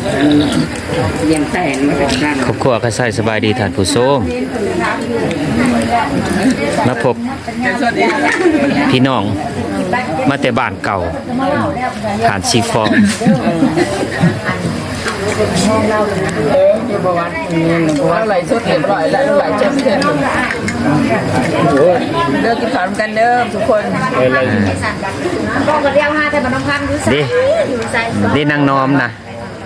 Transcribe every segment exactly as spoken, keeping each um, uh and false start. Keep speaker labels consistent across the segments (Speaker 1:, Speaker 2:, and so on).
Speaker 1: เลี้ยงแต่งมาจากนั้น
Speaker 2: ครอบครัวก็ใส่สบายดีท่านผู้ชมมาพบพี่น้องมาแต่บ้านเก่าฐานซีฟอง
Speaker 1: เอออยู่ประวัติเราไหลชุดเรียบร้อยแล้วไหลชุดเสร็จเลิกกินข้าวกันเด้อทุกคนบอกกันเรียกห้าแต่มันต้องพันดูสิ
Speaker 2: ดิดินางน้อมนะ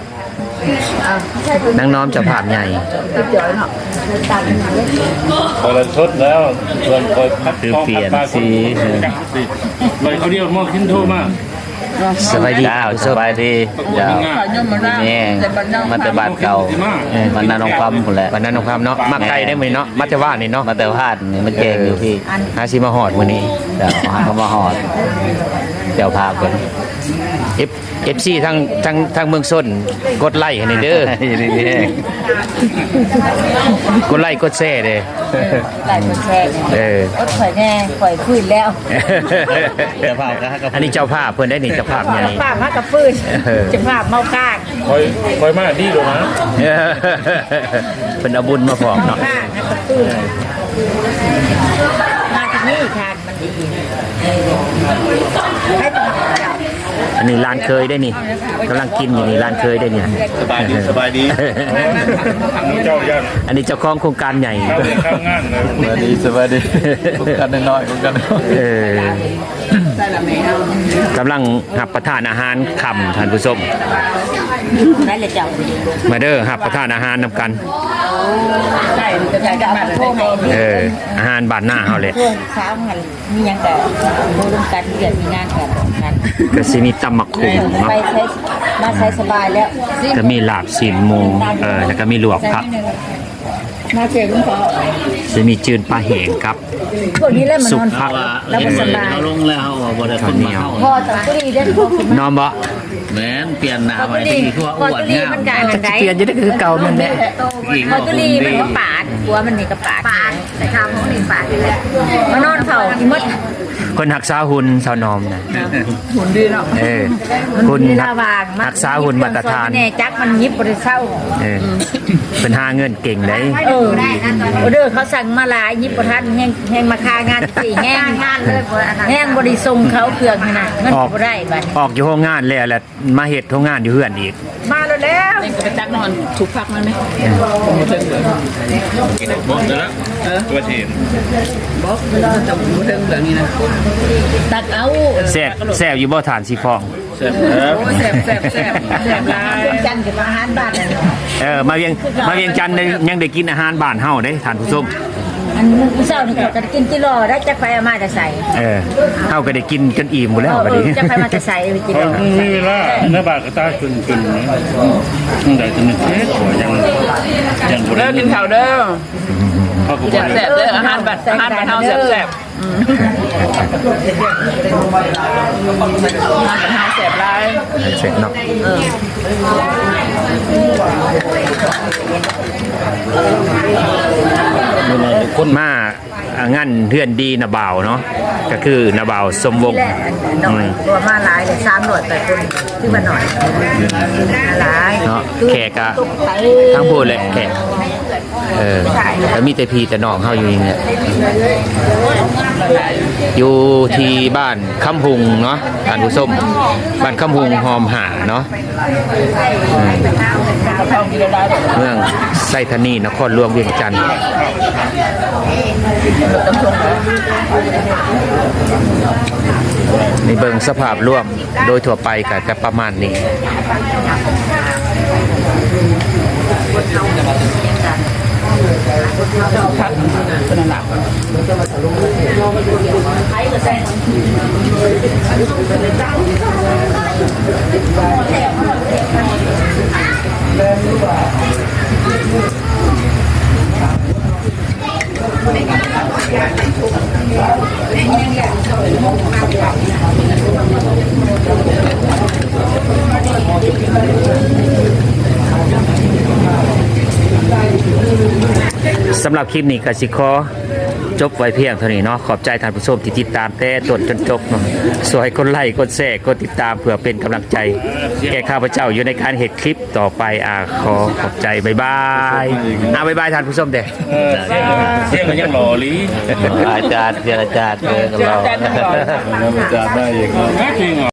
Speaker 2: นางน้อมเจะภาพใหญ่
Speaker 3: พอเราชดแล้วส่วนคอยพัด
Speaker 2: คือเปลี่ยนสี
Speaker 3: ลอยเขาเรียกมอขึ้นโทมาก
Speaker 2: สบายดี
Speaker 4: สบายดีเจ้านี่มันแต่บ้านเก่ามันนาน้องปั๊มคนแหละ
Speaker 2: วันนั้นน้องความเนาะมาไกลได้มื้อนี้เนาะมาแต่ว่านี่เนาะ
Speaker 4: มาแต่พาดนี่มันเก่งอยู่พี่
Speaker 2: หาสิมาฮอดมื้อนี้
Speaker 4: เจ้าเขามาหอดเจ้าพาคน
Speaker 2: F FC ทั้งทั้งทั้งเมืองส้นกดไลค์ให้หน่อยเด้อ
Speaker 4: นี่นี่
Speaker 2: กดไลค์กดแชร์เด้อ
Speaker 1: ไหลคนแช่
Speaker 2: เออ
Speaker 1: อดข่อยแน่ข่อยฟื้นแล้ว
Speaker 4: เจ้าพาก็ให้กับ
Speaker 2: อันนี้เจ้าภาพเพิ่นได้นี่เจ้าภาพใหญ่
Speaker 1: ภาพมากับฟื้นจะภาพเมากาก
Speaker 3: คอยคอยมากดีหรอนะ
Speaker 2: เพิ่นเอาบุญมาพร้อมเนาะ
Speaker 1: กากกับฟื้นมาที่นี่ทานมันดีให้
Speaker 2: อันนี้ร้านเคยได้นี่กำลังกินอยู่นี่ร้านเคยได้เนี่ย
Speaker 4: สบายดีสบายดี
Speaker 3: เจ้าย่าน
Speaker 2: อันนี้เจ้าของโครงการใหญ่
Speaker 3: ข้าวเรียนข้าวงานเลย
Speaker 4: สบายดีสบายดีกันน้อยๆกัน
Speaker 2: เออกำลังหับประทานอาหารค่ำท่านผู้ชม
Speaker 1: ได้เลยเจ้า
Speaker 2: มาเด้อหับประทานอาหารนำกัน
Speaker 1: ใช่จะใช้จะมาโทรมา
Speaker 2: เอออาหารบ้านหน้าเฮาเลย
Speaker 1: ช่วงเช้าหันมียังแต่ดูร่วมกันเดือนมีงานกันกัน
Speaker 2: ก็สิมีตำมักขุ่งเนาะ
Speaker 1: ไปใช้มาใช้สบายแล้ว
Speaker 2: ก็มีลาบซีนหมูเออแล้วก็มีลวกผัก
Speaker 1: มาเจอคุณพ่อ
Speaker 2: สิมีจืนปลาแห้งครับ
Speaker 1: พวกนี้เล่นมัน
Speaker 2: สุ
Speaker 1: น
Speaker 2: ก
Speaker 1: อน
Speaker 2: ผัก
Speaker 1: แล้วก็สบาย
Speaker 4: เขาลงแล้วบ่ได้คนมาเข้า
Speaker 1: พ่อตอนตุลีได้พ่อคุณ
Speaker 2: นอมบ่
Speaker 4: แม่นเปลี่ยนหน้า
Speaker 1: พ่อ
Speaker 4: ใหม่
Speaker 1: ตุลี
Speaker 4: ที่ทั่ว
Speaker 1: พ่อ
Speaker 4: อ้วน
Speaker 1: ตุลี
Speaker 4: งาม
Speaker 1: มันการอะไร
Speaker 2: เปลี่ยนจะได้คือเก่านั่นแหละ
Speaker 1: พ่อตุลีมันก็ปาดหัวมันนี่ก็ปาดปาดแต่ข้าวของนี่ปาดอยู่แล้วมานอนเฝ้าที่มด
Speaker 2: คนหักษาหุ่นสาวนอมนะ
Speaker 1: หุ่นดีเนาะ
Speaker 2: เออ
Speaker 1: มัน
Speaker 2: คุณ
Speaker 1: มี
Speaker 2: หั
Speaker 1: ระ
Speaker 2: ก
Speaker 1: วาง
Speaker 2: หักษาหุ่นมาตรฐาน
Speaker 1: แน่จักมันยิบบริเศร้า
Speaker 2: เออเป็นหาเงินเก่งได้
Speaker 1: เออออเดอร์เขาสั่งมาหลายยิบประทันแห้งแห้งมาคางานสี่แห้งงานเลยแห้งบริทรงเขาเครื่องขนาดเงินบ่ได้บัด
Speaker 2: ออกอยู่โรงงานแล้วแหละมาเฮ็ดโรงงานอยู่เฮือนอีก
Speaker 1: มาแล้วแล้ว
Speaker 5: ไปตักนอนถูกพักมันไหม
Speaker 3: บอกเดี๋ยวละตัวทีม
Speaker 5: บอกเราจะหมูเทิงแบบนี้นะตักเอา
Speaker 2: แซ่บแซ่บอยู่บ่ฐานสีฟอง
Speaker 3: เสร็จแล้ว
Speaker 5: โอ้แสบแสบแสบแสบลาย
Speaker 1: จันทร์กับอาหารบ้าน
Speaker 2: เออมาเวียงมาเวียงจันทน์ได้ยังได้กินอาหารบ้านเฮาเด้ท่านผู้ชม
Speaker 1: อันมื้อเช้านี่ก็กินกิโลได้จักไปเอามาจะใส่
Speaker 2: เออเฮาก็ได้กินจนอิ่มหมดแล้วบัดนี้
Speaker 1: จักไปมาจะใส่กิโล
Speaker 3: นี่ละเนื้อบาดกระตาขึ้นขึ้นตั้งแต่ตัวนึงเอ๊ะยังยังบุ
Speaker 5: เด้อกินข้าวเด้อ
Speaker 3: พ่อกู
Speaker 5: แสบแสบเด้ออาหารบัดอาหารบัดเฮาแสบแสบอาหารบัดเฮาแสบลาย
Speaker 2: เสร็จเนาะคนมาอ่างานเฮือนดีนะบ่าวเนาะก็คือนะบ่าวสมวงศ์
Speaker 1: แหละหน่อยตัวมาหลายเลยสามหน่วยแต่คนที่มาหน่อยหลาย
Speaker 2: เนาะแขกอะทั้งพูดเลยแขกเออแล้วมีแต่พี่แต่น้องเฮาอยู่นี่เนี่ยอยู่ที่บ้านคำหุงเนาะท่านผู้ชมบ้านคำหุงหอมหาเนาะอืมเมืองไซธานีนครหลวงเวียงจันทน์ในเบิงสภาพรวมโดยทั่วไปก็จะประมาณนี้
Speaker 5: พักเป็นหลัก
Speaker 2: สำหรับคลิปนี้ก็สิขอจบไว้เพียงเท่านี้เนาะขอบใจท่านผู้ชมที่ติดตามแต่ต้นจนจบเนาะสวยกดไลค์กดแชร์กดติดตามเพื่อเป็นกำลังใจแก่ข้าพเจ้าอยู่ในการเฮ็ดคลิปต่อไปอ่าขอขอบใจบ๊ายบายอ่าบ๊ายบายท่านผู้ชมเด้
Speaker 3: เออเสียงเสียงก็ยังหล่อลี
Speaker 4: อาจารย์เสียอาจารย์เออกับเรา
Speaker 3: แม่จริงเหรอ